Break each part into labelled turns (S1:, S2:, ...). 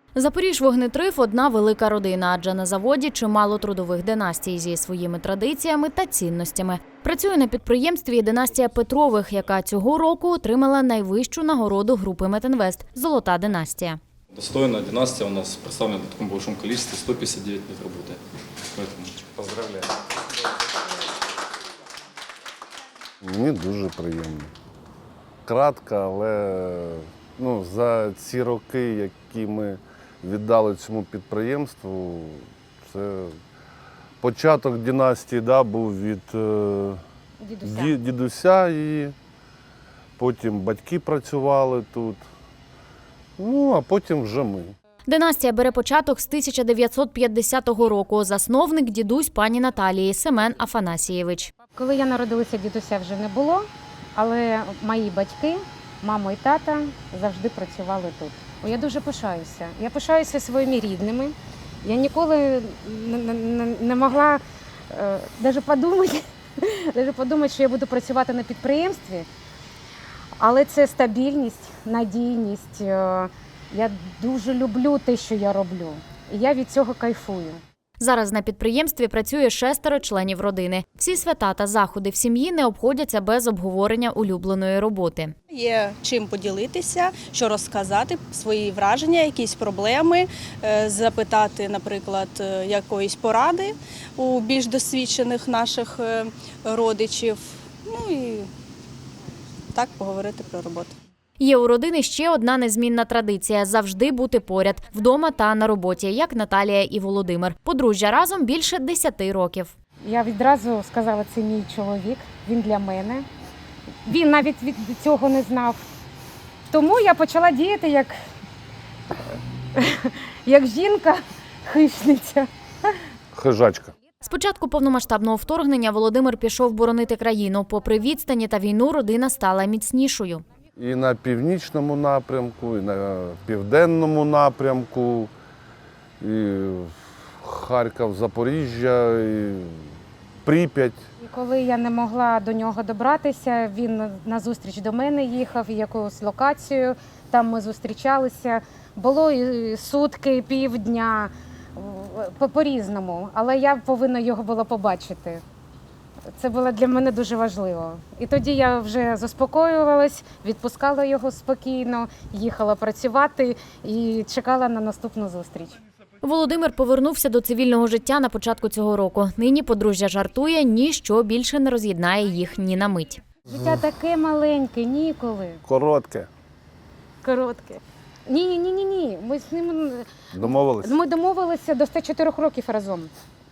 S1: Запоріжжя-Вогнетрив – одна велика родина, адже на заводі чимало трудових династій зі своїми традиціями та цінностями. Працює на підприємстві і династія Петрових, яка цього року отримала найвищу нагороду групи Метинвест – «Золота династія».
S2: Достойная династия у нас представлена в таком большом количестве, 159 лет работы. Поэтому поздравляю.
S3: Мені дуже приємно. Кратко, але за ці роки, які ми віддали цьому підприємству, це початок династії був від дідуся, і потім батьки працювали тут, а потім вже ми.
S1: Династія бере початок з 1950 року. Засновник – дідусь пані Наталії Семен Афанасійович.
S4: Коли я народилася, дідуся вже не було, але мої батьки, мама і тата завжди працювали тут. Я дуже пишаюся. Я пишаюся своїми рідними. Я ніколи не могла навіть подумати, що я буду працювати на підприємстві. Але це стабільність, надійність. Я дуже люблю те, що я роблю. І я від цього кайфую.
S1: Зараз на підприємстві працює 6 членів родини. Всі свята та заходи в сім'ї не обходяться без обговорення улюбленої роботи.
S5: Є чим поділитися, що розказати, свої враження, якісь проблеми, запитати, наприклад, якоїсь поради у більш досвідчених наших родичів. І так поговорити про роботу.
S1: Є у родини ще одна незмінна традиція – завжди бути поряд, вдома та на роботі, як Наталія і Володимир. Подружжя разом більше 10 років.
S4: Я відразу сказала, це мій чоловік, він для мене. Він навіть від цього не знав. Тому я почала діяти як жінка-хищниця.
S3: Хижачка.
S1: З початку повномасштабного вторгнення Володимир пішов боронити країну. Попри відстані та війну, родина стала міцнішою.
S3: І на північному напрямку, і на південному напрямку, і Харків, Запоріжжя, і Прип'ять.
S4: І коли я не могла до нього добратися, він на зустріч до мене їхав, в якусь локацію, там ми зустрічалися. Було і сутки, і півдня, по-різному, але я повинна його було побачити. Це було для мене дуже важливо. І тоді я вже заспокоювалась, відпускала його спокійно, їхала працювати і чекала на наступну зустріч.
S1: Володимир повернувся до цивільного життя на початку цього року. Нині подружжя жартує, ніщо більше не роз'єднає їх ні на мить.
S4: Життя таке маленьке, ніколи.
S3: Коротке.
S4: Коротке. Ні. Ми з ним
S3: Домовились?
S4: Ми домовилися до 104 років разом.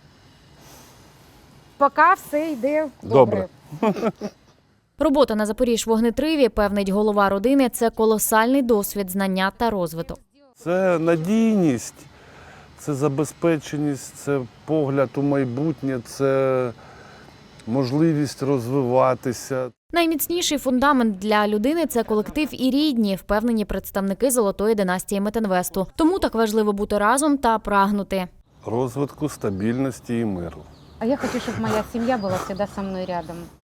S4: Поки все йде добре.
S1: Робота на Запоріжжя-Вогнетриві, певнить голова родини, це колосальний досвід, знання та розвиток.
S3: Це надійність, це забезпеченість, це погляд у майбутнє, це можливість розвиватися.
S1: Найміцніший фундамент для людини – це колектив і рідні, впевнені представники Золотої династії Метинвесту. Тому так важливо бути разом та прагнути
S3: Розвитку, стабільності і миру.
S4: А я хочу, щоб моя сім'я була завжди зі мною рядом.